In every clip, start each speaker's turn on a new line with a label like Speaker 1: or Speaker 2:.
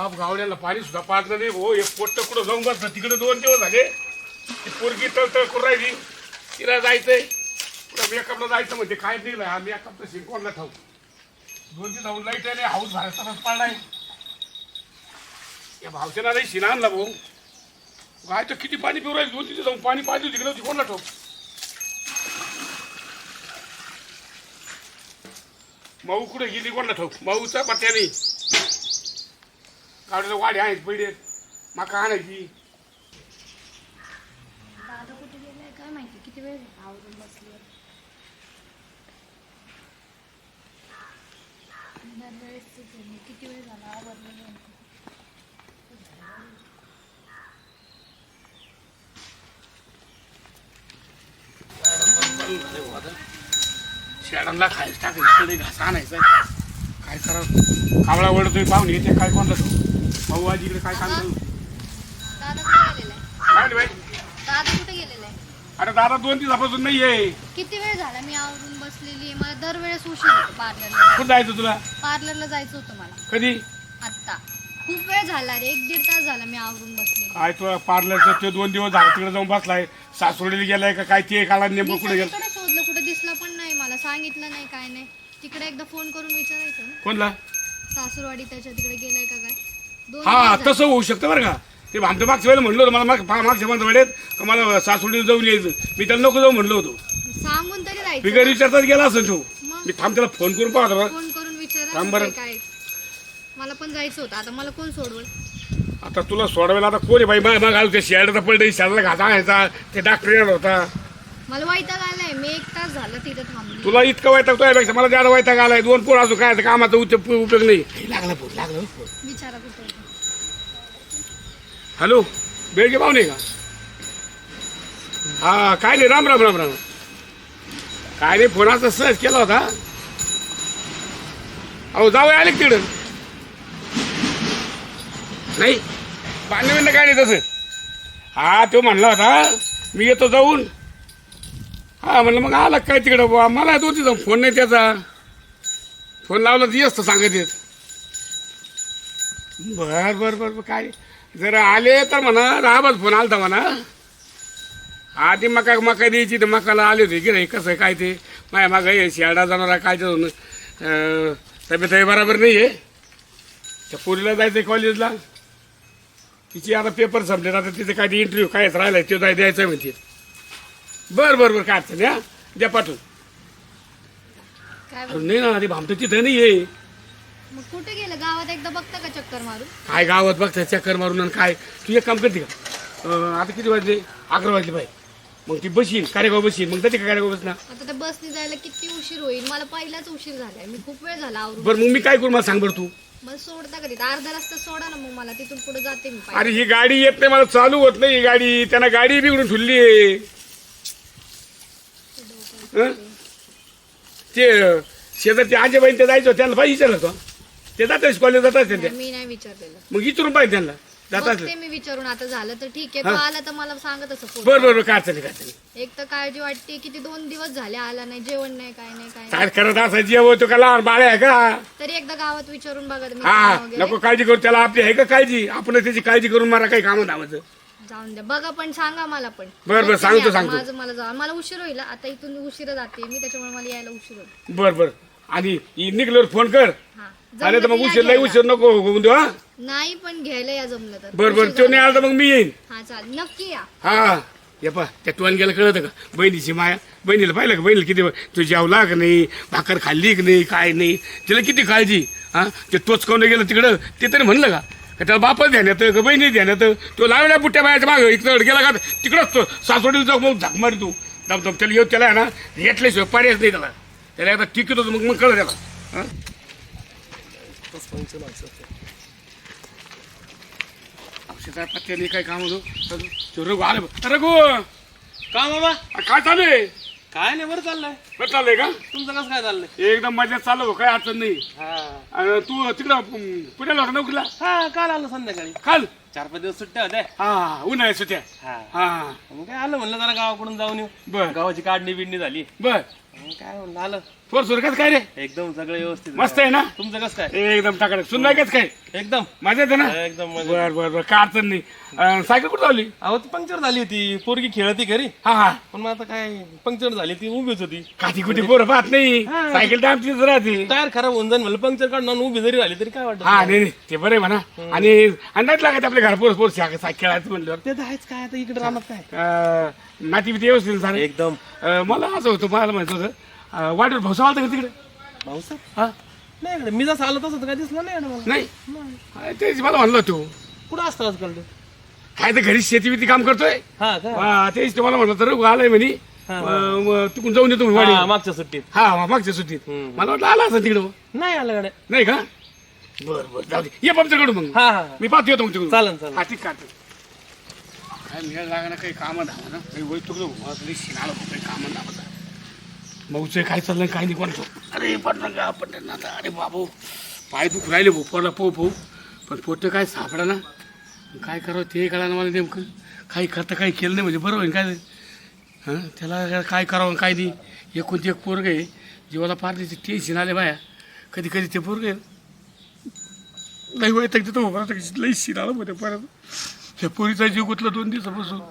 Speaker 1: बाप गावड्याला पाणी सुद्धा पाजलं नाही भाऊ. एक पोट्ट कुठं जाऊन बसलं तिकडे 2 दिवस झाले. ती पोरगी तळतळ करून राहिली. तिला जायचंय पुढं मेकअपला जायचं म्हणजे काय दिलं हा मेकअप तर शिंकवणला ठाऊ 2 जाऊन लाईट आहे हाऊस बाहेर तसाच पडलाय. या भावसेना नाही शिना आणला भाऊ. गाय तर किती पाणी पिऊ राहील 2 जाऊन पाणी पाहिजे तिकडे होती कोणला ठाऊ. माऊ कुठे गेली कोणला ठाऊ. माऊचा पत्त्याने गाडीला वाडे आहेत पहिले मका आणायची.
Speaker 2: दादा कुठे गेलाय काय माहिती. किती वेळ आवरून बसली. किती वेळ झाला आवरलेलं.
Speaker 1: शेडांना खायला टाकायचं घासा आणायचा काय करा. कावळा वडतोय पाहुणे येते काय कोणता तो भाऊ आजीकडे काय काम करू.
Speaker 2: दादा कुठे गेलेला आहे.
Speaker 1: काय रे बाई.
Speaker 2: दादा कुठे गेलेला आहे.
Speaker 1: अरे दादा 2 दिवसापासून नाही आहे.
Speaker 2: किती वेळ झाला मी आवरून बसलेली आहे. मला दरवेळेस उशीर होतो पार्लरला.
Speaker 1: कुठं जायचं तुला.
Speaker 2: पार्लरला जायचं होतं मला
Speaker 1: कधी.
Speaker 2: आत्ता. खूप वेळ झाला रे. 1-1.5 तास झाला मी आवरून बसले.
Speaker 1: काय तो पार्लरचं ते 2 दिवस झाला तिकडे जाऊन बसलाय. सासवडीला गेलाय का काय ते काला नेमकं कुठे गेलं.
Speaker 2: तिकडे शोधलं कुठे दिसला पण नाही. मला सांगितलं नाही काय नाही. तिकडे एकदा फोन करून विचारायचं ना.
Speaker 1: कोणला.
Speaker 2: सासूरवाडी त्याच्या तिकडे गेलाय का काय. 2
Speaker 1: हा
Speaker 2: दिवस
Speaker 1: तसं होऊ शकतं बरं का. ते आमच्या मागच्या वेळेला म्हणलं होतं मला मागच्या वेळेत का मला सासवडीला जाऊन यायचं. मी त्याला नको जाऊ म्हणलो होतो.
Speaker 2: झाले. सांगून तरी जायचं
Speaker 1: बिगर
Speaker 2: ना.
Speaker 1: विचारताच गेला असेल तो.
Speaker 2: मग
Speaker 1: मी थांब त्याला फोन करून पाहतो बा.
Speaker 2: फोन करून
Speaker 1: थांब बरं.
Speaker 2: विचारायचं काय. मला पण जायचं होतं. आता मला कोण सोडवल.
Speaker 1: आता तुला सोडवायला आता कोण आहे बाई. मग आलो ते शेडाचा पडलं शेडाला घासा आणायचा. ते डॉक्टर येणार होता.
Speaker 2: मला वैताग आलाय. मी 1 तास झाला तिथे थांबली.
Speaker 1: तुला इतकं वैताग तो यापेक्षा मला ज्यादा वैताग आलाय. 2 पोर असो काय कामाचा उपयोग नाही. लागला फोन लागला.
Speaker 2: विचारा कुठे होते.
Speaker 1: हॅलो बेळगे पाहुणे का. हा काय नाही राम राम राम राम. काय नाही फोनाचा सहज केला होता. अहो जाऊ आले तिकडं. नाही बांधणं काय नाही तसं. हा तो म्हणला होता मी येतो जाऊन. हा म्हणलं मग आला काय तिकडं बुवा. मला 2 दिवस फोन नाही त्याचा. फोन लावला तर येस तर सांगत येत. बर बर बर काय जर आले तर म्हणा राहाबाच फोन आलता म्हणा. आधी मका द्यायची तर मकाला आले होते की नाही कसं काय ते माझ्या मागं हे शेडा जाणार काय तब्येत बरोबर नाही आहे. त्या पोरीला जायचं कॉलेजला. तिची आता पेपर संपले आता तिथे काय ते इंटरव्ह्यू कायच राहिलाय ते द्यायचं म्हणते. बरं बरं बरं काय अडचण द्या द्या पाठवून.
Speaker 2: काय
Speaker 1: नाही ना ते भामतं तिथं नाही आहे.
Speaker 2: मग कुठे गेलं. गावात एकदा बघता का चक्कर मारून.
Speaker 1: काय गावात बघता चक्कर मारून आणि काय. तू एक काम करते का आता किती वाजले 11 वाजले बाई. मग ती बसीन कार्यगाव बसीन मग जाते का कार्यगाव बस ना.
Speaker 2: आता त्या बसने जायला किती उशीर होईल. मला पहिलाच उशीर झालाय. मी खूप वेळ झाला आवरून.
Speaker 1: बरं मग मी काय करू मला सांग बरं तू.
Speaker 2: मला सोडता का तिथे. अर्धा रस्ता सोडा ना मग मला. तिथून पुढे जाते मी पायी.
Speaker 1: अरे ही गाडी येत नाही मला चालू होत नाही ही गाडी. त्यांना गाडी बिघडून ठुलली आहे. ते शेजारचे आजेबाई ते जायचं त्यांना पाहिजे विचारलं तो. ते जातात कॉलेज जातात त्यांच्या.
Speaker 2: मी नाही विचारलेलं.
Speaker 1: मग विचारून पाहिजे त्यांना जातात.
Speaker 2: बघते मी विचारून. आता झालं तर ठीक आहे. तो आला तर मला सांगत असं फोन.
Speaker 1: बरं बरं काय चालेल काय चालेल.
Speaker 2: एक तर काळजी वाटते किती 2 दिवस झाले आला नाही. जेवण नाही काय नाही काय नाही.
Speaker 1: काय करत असा जेव तो का लहान बाळ आहे का.
Speaker 2: तरी एकदा गावात विचारून बघा तुम्ही
Speaker 1: हा
Speaker 2: काम वगैरे.
Speaker 1: नको काळजी करू त्याला आपली आहे का काळजी. आपण त्याची काळजी करून मला काही कामं धावायचं.
Speaker 2: जाऊन द्या बघा पण सांगा मला पण.
Speaker 1: बरं,
Speaker 2: बघते
Speaker 1: सांगतो,
Speaker 2: मी आता.
Speaker 1: सांगतो.
Speaker 2: माझं मला जा मला उशीर होईल. आता इथून उशीर जाते मी त्याच्यामुळे मला यायला उशीर होईल.
Speaker 1: बरं बरं आणि निघल्यावर फोन कर.
Speaker 2: हा
Speaker 1: आले तर
Speaker 2: जमलं
Speaker 1: मग
Speaker 2: तर
Speaker 1: उशीर
Speaker 2: या
Speaker 1: लई
Speaker 2: घ्यायला.
Speaker 1: उशीर नको होऊन देऊ. हा
Speaker 2: नाही पण घ्यायला या जमलं तर.
Speaker 1: बरं बरं
Speaker 2: उशीर
Speaker 1: तो नाही
Speaker 2: झाला.
Speaker 1: आला तर मग मी येईन.
Speaker 2: हा चालेल नक्की या.
Speaker 1: हा ये पा त्या टोन गेलं कळतं का बहिणीची माया. बहिणीला पाहिलं का बहिणीला किती तू जेवला का नाही भाकर खाल्ली की नाही काय नाही तिला किती काळजी. हा ते टोचकावून गेलं तिकडं ते तरी म्हणलं का त्याला बापच ध्यान येतं का बहिणी ध्यान येतं. तो लावल्या बुट्ट्या बायाच्या मागं इकडं गेला का तिकडंच तो सासवडीला जाऊ मग झाक मारी तू दमदम त्याला येऊ त्याला आहे ना घेतल्याशिवाय पर्यायच नाही त्याला. त्याला एकदा टिकत होतं मग कळलं त्याला. हा औषधा पत्त्याने काय काम होतो. रघु आलं रघु
Speaker 3: का बाबा
Speaker 1: काय चालू आहे.
Speaker 3: काय नाही बरं चाललंय.
Speaker 1: बरं चाललंय का
Speaker 3: तुमचं कसं काय चाललंय.
Speaker 1: एकदम मजेत चालू हो, काय अडचण नाही.
Speaker 3: हा
Speaker 1: आणि तू तिकडं पुण्याला होता नोकरीला.
Speaker 3: हा काल आलो संध्याकाळी.
Speaker 1: काल
Speaker 3: 4-5 दिवस सुट्ट्या होत्या.
Speaker 1: हा उन्हाळ्या सुट्या.
Speaker 3: हा
Speaker 1: हा
Speaker 3: मग काय आलं म्हणलं जरा गावाकडून जाऊन येऊ.
Speaker 1: बर
Speaker 3: गावाची काढणी बिडणी झाली.
Speaker 1: बर
Speaker 3: काय म्हणलं आलं
Speaker 1: पोर सुरकत काय रे
Speaker 3: एकदम सगळं व्यवस्थित
Speaker 1: मस्त आहे ना
Speaker 3: तुमचं कसं काय
Speaker 1: एकदम टाकायचं सुनलाय कच काय
Speaker 3: एकदम
Speaker 1: मजा येते ना
Speaker 3: एकदम मजा.
Speaker 1: बर बर बर काय अडचण नाही सायकल कुठं लावली
Speaker 3: अहो ती पंक्चर झाली होती पोरगी खेळती घरी
Speaker 1: हा हा
Speaker 3: पण मग आता काय पंक्चर झाली ती उभीच होती
Speaker 1: काठी कुठे पोरं पाहत नाही सायकल तर आमचीच राहते
Speaker 3: टायर खराब होऊन जाईल म्हणलं पंक्चर काढून उभी जरी झाली तरी काय वाटत
Speaker 1: हा नाही नाही, ते बरं आहे म्हणा आणि अंदाज लागायचं आपल्या घर पोर पोर खेळायचं म्हणल्यावर
Speaker 3: ते तर आहेच काय आता इकडे राहणार काय
Speaker 1: नाती बिती व्यवस्थित झालं
Speaker 3: एकदम
Speaker 1: मला असं होतं मला माहित होतं वाटेवर भाऊसा आलता का तिकडे
Speaker 3: भाऊसाहेब
Speaker 1: हा
Speaker 3: नाही इकडे मी जसं आलो तसं तर काय दिसलं नाही इकडे मला
Speaker 1: नाही तेच मला म्हणलं तू
Speaker 3: कुठं असतं आजकाल ते
Speaker 1: काय तर घरी शेती बिती काम करतोय
Speaker 3: हा का
Speaker 1: तेच तुम्हाला म्हणलं तर आलंय म्हणे तिकडून जाऊन येतो
Speaker 3: हा,
Speaker 1: वाडी
Speaker 3: मागच्या सुट्टीत
Speaker 1: हा मागच्या सुट्टीत मला वाटलं आला असं तिकडं
Speaker 3: नाही आलं गाड्या
Speaker 1: नाही का बर बर जाऊ दे ये पंपच्याकडून मग
Speaker 3: हा हा
Speaker 1: मी पाहतो येतो मग तिकडून
Speaker 3: चालन चालन
Speaker 1: हा ठीक काय काय मिळायला लागणार काही कामं धावा ना काही वय तुकडं शिनाला काही कामं धावा भाऊचं काय चाललंय काय नाही कोणतो अरे पडणार का पडणार ना आता अरे बाबू पाय दुख राहिले भाऊ पडला पोहू पण पोट काय सापडा ना काय करावं ते कळा ना मला नेमकं काही करता काही केलं नाही म्हणजे बरं होईल काय हां त्याला काय करावं काय नाही एकोणती एक पोरग आहे जीवाला पार त्याचे टेन्शन आले बाया कधी कधी ते पोरग आहे नाही वय तर तिथं उभं राहतं लई शिन आलं मध्ये परत त्या पोरीचा जीव गुतला 2 दिवसापासून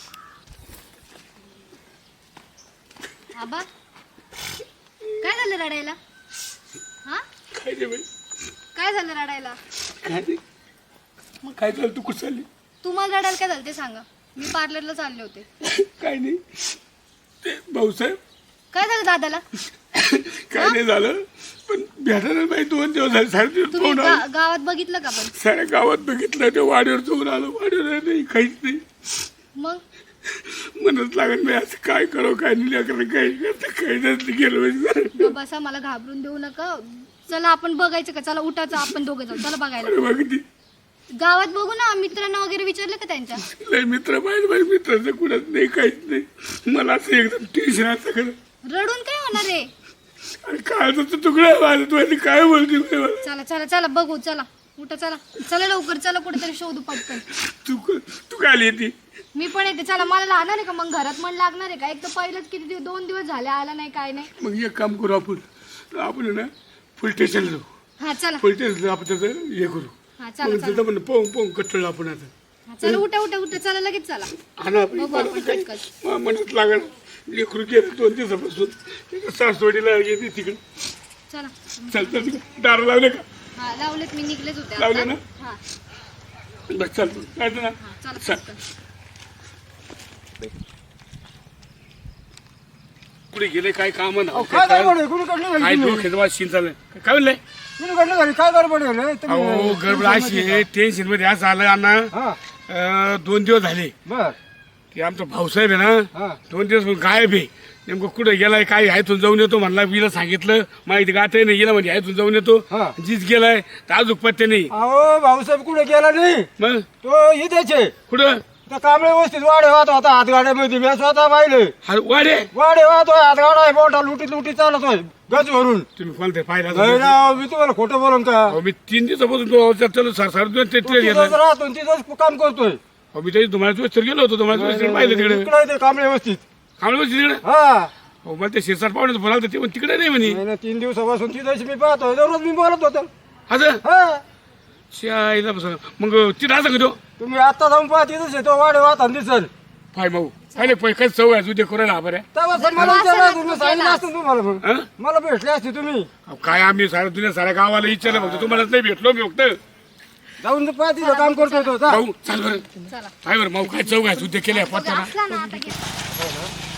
Speaker 2: आबा काय झालं रडायला हा
Speaker 1: काय नाही बाई
Speaker 2: काय झालं रडायला
Speaker 1: काय नाही मग काय झालं तू कुठं चालली
Speaker 2: तुम्हाला रडायला काय झालं ते सांगा मी पार्लरला चालले होते
Speaker 1: काय नाही ते भाऊसाहेब
Speaker 2: काय झालं दादाला
Speaker 1: काय नाही झालं पण भेटायला बाई 2 दिवस झाले 3.5
Speaker 2: तुम्ही
Speaker 1: फोन आला
Speaker 2: गावात बघितलं का पण
Speaker 1: साऱ्या गावात बघितलं ते वाड्यावर जाऊन आलो वाड्यावर नाही काहीच नाही
Speaker 2: मग
Speaker 1: म्हणत लागत नाही असं काय करावं काय नाही लेकरं काही करता काही नसलं गेलं म्हणजे
Speaker 2: गं बसा मला घाबरून देऊ नका चला आपण बघायचं का चला उठायचं आपण दोघं जाऊ चला बघायला
Speaker 1: अरे बघ
Speaker 2: गावात बघू ना मित्रांना वगैरे विचारलं का त्यांच्या
Speaker 1: लय मित्र पाहिजे माझ्या मित्राचं कुणाच नाही काहीच नाही मला असं एकदम टेन्शन असं खरं
Speaker 2: रडून काय होणार आहे
Speaker 1: अरे काय तर तुकडा माझं तू आणि काय बोलते मला
Speaker 2: चला चला चला बघू चला उठा चला चला लवकर चला कुठेतरी शोधू पटकन
Speaker 1: तू काय आली येते
Speaker 2: मी पण येते चला मला लागणार आहे का मग घरात मन लागणार आहे का एक तर पहिलंच किती 2 दिवस झाले आला नाही काय नाही
Speaker 1: मग एक काम करू आपण ना फुल स्टेशनला जाऊ
Speaker 2: हा चला
Speaker 1: फुल स्टेशनला आपण त्याचं हे करू
Speaker 2: हा
Speaker 1: मग
Speaker 2: चला चला
Speaker 1: तिथं म्हणलं पोहून कट्टळ आपण आता
Speaker 2: हा, चला उठा उठा उठा चला लगेच चला
Speaker 1: हा ना
Speaker 2: बघू आपण पटकन
Speaker 1: म्हणत लागणार लेकरू गेलं 2 दिवसापासून सासवडीला येते तिकडे
Speaker 2: चला
Speaker 1: चालतं दार लावले का
Speaker 2: हा लावलेत मी निघलेच होते
Speaker 1: लावले
Speaker 2: आता.
Speaker 1: ना?
Speaker 2: हा
Speaker 1: बस चालतं काय ना
Speaker 2: हा चला
Speaker 1: चल.
Speaker 2: पटकन
Speaker 1: कुठे गेले काय काम
Speaker 4: काय गडबड आहे? कुणीकडनं झाली
Speaker 1: काय
Speaker 4: तुम्ही?
Speaker 1: डोक्यात वाज शिन चाललंय काय म्हणलंय
Speaker 4: कुणीकडनं झाली? काय गडबड आहे रे? तुम्ही-
Speaker 1: अहो गडबड अशी आहे टेन्शन मध्ये असं आलं अण्णा
Speaker 4: हा
Speaker 1: 2 दिवस झाले
Speaker 4: बर
Speaker 1: ते आमचा भाऊसाहेब आहे ना
Speaker 4: हा
Speaker 1: 2 दिवस गायब आहे नेमकं कुठे गेलाय काय ह्यातून जाऊन येतो म्हणला मीला सांगितलं माहिती गाठही नाही गेला म्हणजे ह्यातून जाऊन येतो
Speaker 4: हा.
Speaker 1: जीच गेलाय तर अजून पत्ते नाही
Speaker 4: अहो भाऊसाहेब कुठे गेला नाही
Speaker 1: मग
Speaker 4: तो इथेचे
Speaker 1: कुठं
Speaker 4: त्या कांबळे व्यवस्थित वाडे वाहत होता हातगाड्यामध्ये मी स्वतः पाहिले
Speaker 1: वाडे
Speaker 4: वाडे वाहतोय हातगाडा आहे मोठा लुटीत लुटीत चालतोय गज भरून
Speaker 1: तुम्ही कोणते पाहिला
Speaker 4: नाही ना, मी तुम्हाला खोटं बोलून का
Speaker 1: अहो मी 3 दिवसापासून तो चलो साडेदोन ते ट्रेन
Speaker 4: तिथंच
Speaker 1: घेतला
Speaker 4: राहतो तिथंच काम करतोय
Speaker 1: अहो मी त्याची तुम्हाला चोस्तर गेलो होतो तुम्हाला चोस्तर पाहिलं तिकडे
Speaker 4: इकडे ते कांबळे व्यवस्थित
Speaker 1: कांबळे तिकडे
Speaker 4: हा
Speaker 1: अहो मला ते शिरसाट पाहुण्याचं बोलावलं होतं, ते पण तिकडे नाही म्हणे
Speaker 4: नाही ना 3 दिवसापासून तिथंच मी पाहतोय दररोज मी बोलत होतो
Speaker 1: असं
Speaker 4: हा
Speaker 1: शाळेला बसला मग तिथं असं का तो
Speaker 4: तुम्ही आता जाऊन पाहा तिथंच आहे तो वाडे वाहत दिसल
Speaker 1: पाय भाऊ पाहिले पैकाच चव आहे उद्या करायला हा बरं
Speaker 4: तेव्हा सर मला विचारलं तुम्ही सांगितलं असतं तुम्हाला मग.
Speaker 1: हं?
Speaker 4: मला भेटले असते तुम्ही
Speaker 1: अहो, काय आम्ही साऱ्या दुनिया साऱ्या गावाला विचारलं फक्त तुम्हालाच नाही भेटलो मी फक्त
Speaker 4: जाऊन तर पाहा तिथं काम करतोय तो जा.
Speaker 1: भाऊ चाल बरं
Speaker 2: चला
Speaker 1: काय बरं भाऊ काय चौक आहे उद्या केल्या पत्ता ना
Speaker 2: असला ना आता घे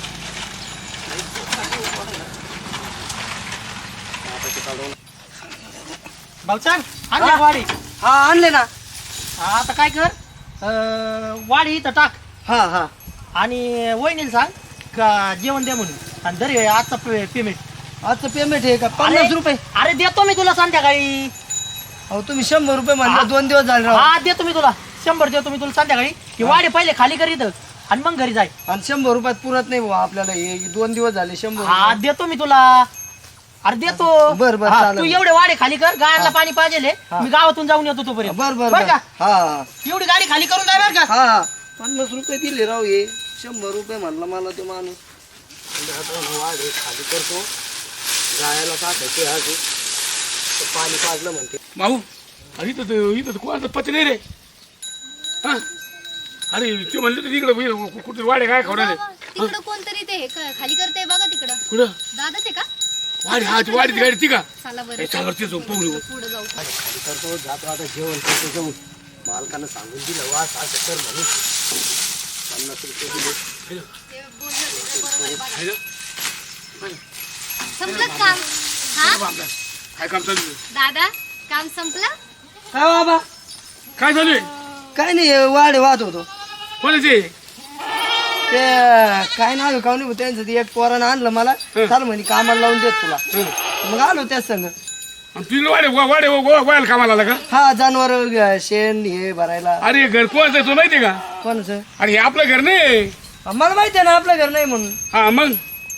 Speaker 5: भाऊसाहेब आणले वाडी
Speaker 6: हा आणले ना
Speaker 5: आता काय कर वाडी इथं टाक
Speaker 6: हा हा
Speaker 5: आणि वहिनीला सांग का जेवण द्या म्हणून आणि दर आजचा पेमेंट
Speaker 6: आजचं पेमेंट आहे का 50 रुपये
Speaker 5: अरे देतो मी तुला संध्याकाळी
Speaker 6: अहो तुम्ही 100 रुपये म्हणला 2 दिवस झाले राव
Speaker 5: हा देतो मी तुला 100 देतो मी तुला संध्याकाळी ही वाडी पहिले खाली कर इथं आणि मग घरी जाय
Speaker 6: आणि 100 रुपयात पुरत नाही बुवा आपल्याला हे 2 दिवस झाले 100
Speaker 5: हा देतो मी तुला अरे देतो
Speaker 6: बर, बर,
Speaker 5: हा,
Speaker 6: चालेल.
Speaker 5: तू एवढे वाडे खाली कर गायला पाणी पाहिजे मी गावातून जाऊन येतो तोपर्यंत
Speaker 6: बर बर
Speaker 5: बरं
Speaker 6: बर
Speaker 5: का
Speaker 6: हा
Speaker 5: एवढी गाडी खाली करून जाय बरं का
Speaker 6: हा 50 रुपये दिले राव हे 100 रुपये म्हणला मला तो माणूस वाढ खाली करतो गायला टाकायचे आज पाणी पाजलं म्हणते.
Speaker 1: भाऊ अरे इथं कोणाचं पती नाही रे. हा अरे ते म्हणले तर इकडं कुठे वाडे काय खवडाले
Speaker 2: तिकडं कोणतरी ते खाली करते बघा तिकडं.
Speaker 1: कुठं
Speaker 2: दादाच आहे का?
Speaker 1: वाडी हा ती वाडीची गाडी ती का
Speaker 2: चला बरं
Speaker 1: याच्यावरती जाऊन पाहू
Speaker 2: पुढे जाऊ.
Speaker 6: खाली करतो जातो आता जेवण करतो जाऊन मालकानं सांगून दिलं वास असं कर म्हणून 50 रुपये दिले.
Speaker 2: संपलं काम? हा
Speaker 1: काय काम चालू आहे?
Speaker 2: दादा काम संपलं?
Speaker 6: काय बाबा
Speaker 1: काय चालू आहे?
Speaker 6: काय नाही वाढ वाहत होतो
Speaker 1: कोणाचे
Speaker 6: ते काय नाव का नाही त्यांचं ते एक पोरानं आणलं मला चाल म्हणे कामाला लावून देत तुला मग आलो त्याच संग.
Speaker 1: तुला वाडे वायला कामाला आला का?
Speaker 6: हा जनावर शेण हे भरायला.
Speaker 1: अरे घर कोणाचं आहे तुला माहितीये का?
Speaker 6: कोणाचं?
Speaker 1: अरे हे आपलं घर नाही.
Speaker 6: मला माहिती आहे ना आपलं घर नाही म्हणून
Speaker 1: हा मग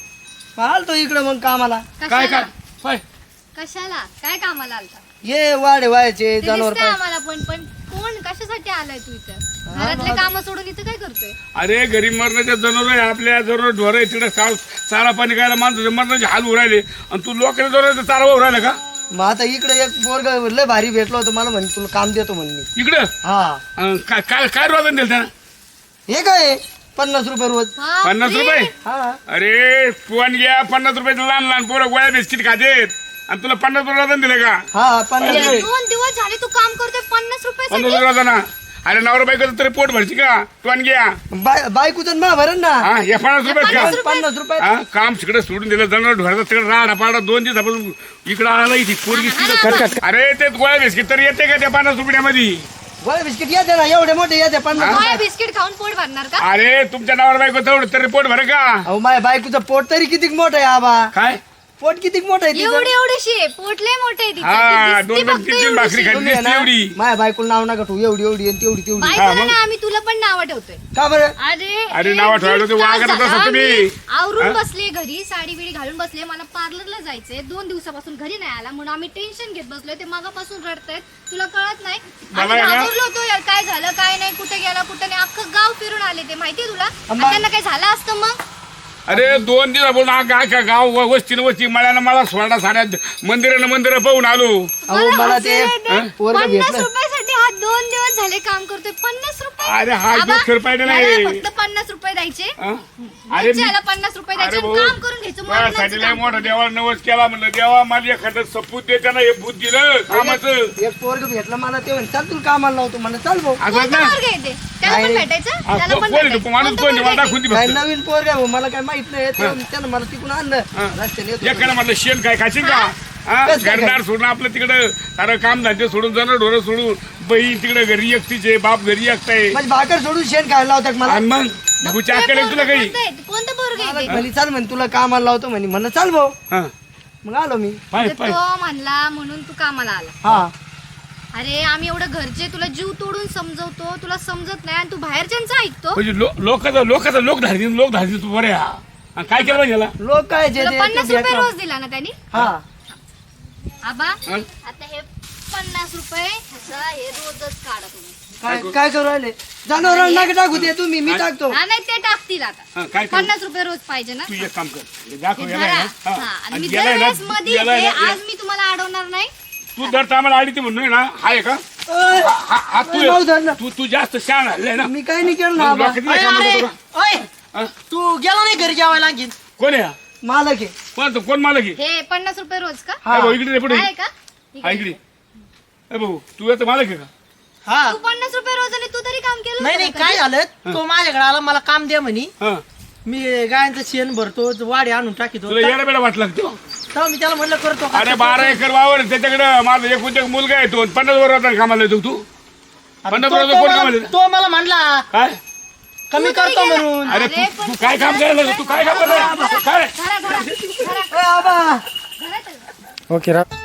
Speaker 6: आलतो इकडं मग कामाला.
Speaker 1: काय काय काय
Speaker 2: कशाला काय कामाला आलता?
Speaker 6: ये वाढे व्हायचे
Speaker 2: ते
Speaker 6: जनावर
Speaker 2: दिसतंय आम्हाला पण कोण कशासाठी आलाय तू इथं? घरातले काम सोडून इथं काय करतोय?
Speaker 1: अरे गरीब मरणाच्या जनावर आपल्या जनावर ढोर आहे तिकडे चारा पाणी खायला माणसं मरणाचे हाल उरायले आणि तू लोकांच्या जनावर चारा उरायला का?
Speaker 6: मग आता इकडे एक पोरग लय भारी भेटलो होतो मला म्हणे तुला काम देतो म्हणे.
Speaker 1: इकडं
Speaker 6: हा
Speaker 1: काय काय काय रोजन दिलं त्यानं?
Speaker 6: हे काय 50 रुपये रोज.
Speaker 1: 50 रुपये?
Speaker 6: हा
Speaker 1: अरे फोन घ्या 50 रुपयाचं लहान लहान पोरं गोळ्या बिस्किट खातेत आणि तुला 50 रुपये रोजन दिले का?
Speaker 6: हा 50
Speaker 2: हे
Speaker 6: रुपये.
Speaker 2: 2 दिवस झाले तू काम करतोय 50 रुपये
Speaker 1: 50 रुपये रोजाना. अरे नवरा बायकोचं तरी पोट भरची का? फोन घ्या
Speaker 6: बायकोचं मा भरण ना.
Speaker 1: हा हे 50 रुपये का?
Speaker 6: 50 रुपये.
Speaker 1: हा काम तिकडे सोडून दिलं जनावर ढोराचा तिकडे राडा पाडा 2 दिवसापासून इकडं आला इथे पोरगी तिथं अरे ते गोळ्या बिस्किट तर येते का त्या 50 रुपयामध्ये?
Speaker 6: गोळ्या बिस्किट येते ना एवढे मोठे येते 50
Speaker 2: काय बिस्किट खाऊन पोट भरणार का?
Speaker 1: अरे तुमच्या नवरा बायको तेवढं तरी पोट भर का?
Speaker 6: अहो माझ्या बायकोचं पोट तरी किती मोठं आहे आबा.
Speaker 1: काय
Speaker 6: पोट किती मोठं आहे तिचं.
Speaker 2: एवढी आहे पोटले मोठे आहे तिचं.
Speaker 1: हा
Speaker 2: ती दिसती
Speaker 1: 2
Speaker 2: फक्त
Speaker 1: 3 भाकरी
Speaker 2: एवढीशी.
Speaker 1: खाली
Speaker 6: तुम्ही आहे
Speaker 1: दिसते
Speaker 6: ना,
Speaker 1: एवढी.
Speaker 6: माझ्या बायकोला नाव नका ठेवू एवढी एवढी आणि तेवढी तेवढी.
Speaker 2: बायकोला ना आम्ही तुला पण नाव ठेवतोय.
Speaker 6: का बरं?
Speaker 1: अरे नाव ठेवायला ते वागत तसं तुम्ही.
Speaker 2: आवरून बसले घरी साडी बिडी घालून बसले. मला पार्लरला जायचंय 2 दिवसापासून घरी नाही आला म्हणून आम्ही टेन्शन घेत बसलोय. ते मागापासून रडतायत तुला कळत नाही.
Speaker 1: मला
Speaker 2: आम्ही
Speaker 1: आहे ना-
Speaker 2: घाबरलो होतो यार काय झालं काय नाही कुठे गेला कुठे नाही अख्खं गाव फिरून आले ते माहितीये तुला. आणि
Speaker 6: अम्मा.
Speaker 2: त्यांना काय झालं असतं मग?
Speaker 1: अरे 2 दिवस बोलून का गाव वस्तीनं वस्ती मळ्यानं मला सोडा साड्या मंदिर पाहून आलो.
Speaker 6: अहो मला ते पोरग
Speaker 2: 50
Speaker 6: भेटलं.
Speaker 2: रुपयासाठी हा 2 दिवस झाले काम करतोय. 50 रुपये
Speaker 1: अरे हा
Speaker 2: आबा,
Speaker 1: जो रुपये नाही.
Speaker 2: याला फक्त 50 रुपये द्यायचे.
Speaker 1: हा? अरे
Speaker 2: याला 50 रुपये द्यायचे
Speaker 1: अरे
Speaker 2: आणि
Speaker 1: भाऊ
Speaker 2: काम करून घ्यायचं.
Speaker 1: माझ्यासाठी
Speaker 2: मरणाचं
Speaker 1: लय
Speaker 2: काम
Speaker 1: मोठा
Speaker 2: करून.
Speaker 1: देवाला नवस केला म्हणलं देवा मला एखादं सपूत दे त्यानं हे भूत दिलं कामाचं.
Speaker 6: एक पोरग भेटलं मला ते म्हणे चल तुला कामाला लावतो म्हणलं चल भाऊ.
Speaker 1: असं
Speaker 2: कोणतं
Speaker 1: ना
Speaker 2: पोरगं आहे ते? त्याला पण
Speaker 6: नाही.
Speaker 2: भेटायचं
Speaker 1: हा,
Speaker 2: त्याला पण
Speaker 1: कोण
Speaker 2: भेटायचं.
Speaker 1: माणूस
Speaker 2: कोणतं
Speaker 1: कोण
Speaker 2: पोरगं
Speaker 1: मला
Speaker 2: आहे ते?
Speaker 1: दाखवून दे
Speaker 6: काय
Speaker 1: फक्त.
Speaker 6: नवीन पोरग आहे भाऊ मला काय माहित नाही त्यानं मला तिकडून आणलं रस्त्याने येत होतो.
Speaker 1: एकाला म्हटलं शेण काय खाशील का? हा?
Speaker 6: कसं काय
Speaker 1: घरदार सोडून आपलं तिकडं सारं काम धंदे सोडून जनावर ढोरं सोडून बहीण तिकडे घरी एकटीचे बाप घरी एकटाय
Speaker 6: माझी भाकर सोडून शेण खायला लावतात मला.
Speaker 1: आणि मग भूच्या
Speaker 2: ते
Speaker 1: अक्कल तुला काही?
Speaker 2: कोणतं आहे? कोणतं पोरगं आहे ते?
Speaker 6: म्हणे चल म्हणे तुला कामाला लावतो म्हणे म्हणलं चल भाऊ.
Speaker 1: हा
Speaker 6: मग आलो मी.
Speaker 1: पाय
Speaker 2: तर
Speaker 1: पाय
Speaker 2: तो म्हणला म्हणून तू कामाला आला.
Speaker 6: हा
Speaker 2: अरे आम्ही एवढं घरचे तुला जीव तोडून समजवतो तुला समजत नाही आणि तू बाहेरच्यांचं ऐकतो.
Speaker 1: म्हणजे लोक धाडतील तू बरे हा. आणि काय केलं पाहिजे याला?
Speaker 6: लोक काय जे
Speaker 2: तुला
Speaker 6: ते
Speaker 2: 50 रुपये
Speaker 6: भेटलं.
Speaker 2: रोज दिला ना त्यांनी.
Speaker 6: हा
Speaker 2: आबा
Speaker 1: हा?
Speaker 2: आता हे 50 रुपये ह्याचा हे रोजच काढा तुम्ही.
Speaker 6: काय करू राहिले जनावर नका टाकू ते तुम्ही मी टाकतो.
Speaker 2: हा नाही ते टाकतील आता.
Speaker 1: हा, काय करू?
Speaker 2: 50 रुपये रोज पाहिजे ना.
Speaker 1: तू एक काम कर हे दाखव
Speaker 2: हे
Speaker 1: याला
Speaker 2: धरा.
Speaker 1: आहे ना.
Speaker 2: हा,
Speaker 1: हा.
Speaker 2: आणि
Speaker 1: आणि
Speaker 2: मी
Speaker 1: याला आहे ना,
Speaker 2: दरवेळेस मध्ये
Speaker 1: याला आहे
Speaker 2: येते,
Speaker 1: ना,
Speaker 2: आज मी तुम्हाला अडवणार नाही.
Speaker 1: तू दर टायमाला आडी ती म्हणून ना हाय का?
Speaker 6: ओय,
Speaker 1: हा
Speaker 6: ओय, भाऊ धर ना.
Speaker 1: तू जास्त शान हल्लाय ना.
Speaker 6: मी काय नाही केलं ना
Speaker 1: मग
Speaker 6: आबा.
Speaker 1: लोकांनी काय काम करतो का? हा?
Speaker 5: तू गेला नाही घरी जेवायला आणखीन?
Speaker 1: कोण आहे हा?
Speaker 6: मालक आहे.
Speaker 1: कोण मालक आहे?
Speaker 2: हे 50 रुपये रोज का
Speaker 6: हा.
Speaker 1: ए भाऊ, इकडे रे पुढे
Speaker 2: आहे का? ठीक
Speaker 1: हा,
Speaker 2: आहे.
Speaker 1: इकडे ए भाऊ तू आता मालक आहे का?
Speaker 5: हा
Speaker 2: तू 50 रुपये रोज आणि तू तरी काम केलं
Speaker 5: नाही
Speaker 2: होतं
Speaker 5: नाही
Speaker 2: का
Speaker 5: काय
Speaker 2: कधी?
Speaker 5: झालं तो माझ्याकडे आला मला काम द्या म्हणे
Speaker 1: हा
Speaker 5: मी गायांचं शेण भरतो वाडे आणून टाकीतो
Speaker 1: तुला येडा बेडा वाटला का तो?
Speaker 5: तेव्हा मी त्याला म्हणलं करतो का?
Speaker 1: अरे 12 एकर वावर आहे, त्याच्याकडे माझा एकूण एक मुलगा आहे तो 50 वर्षाचा कामाला येतो तू.
Speaker 5: आता
Speaker 1: 50
Speaker 5: तो-
Speaker 1: वर्षाचा
Speaker 5: तो
Speaker 1: कोण
Speaker 5: मला-
Speaker 1: कामाला येतो?
Speaker 5: तो मला म्हणला
Speaker 1: काय
Speaker 5: कमी
Speaker 2: तू तरी
Speaker 5: करतो
Speaker 2: गेला.
Speaker 5: म्हणून
Speaker 1: अरे
Speaker 2: अरे,
Speaker 1: तू
Speaker 2: पण
Speaker 1: काय काम करायला लागला? तू काय काम करायला काय
Speaker 2: धरा, धरा, धरा.
Speaker 6: ओय, आबा
Speaker 2: धरा त्याला.
Speaker 6: ओके रा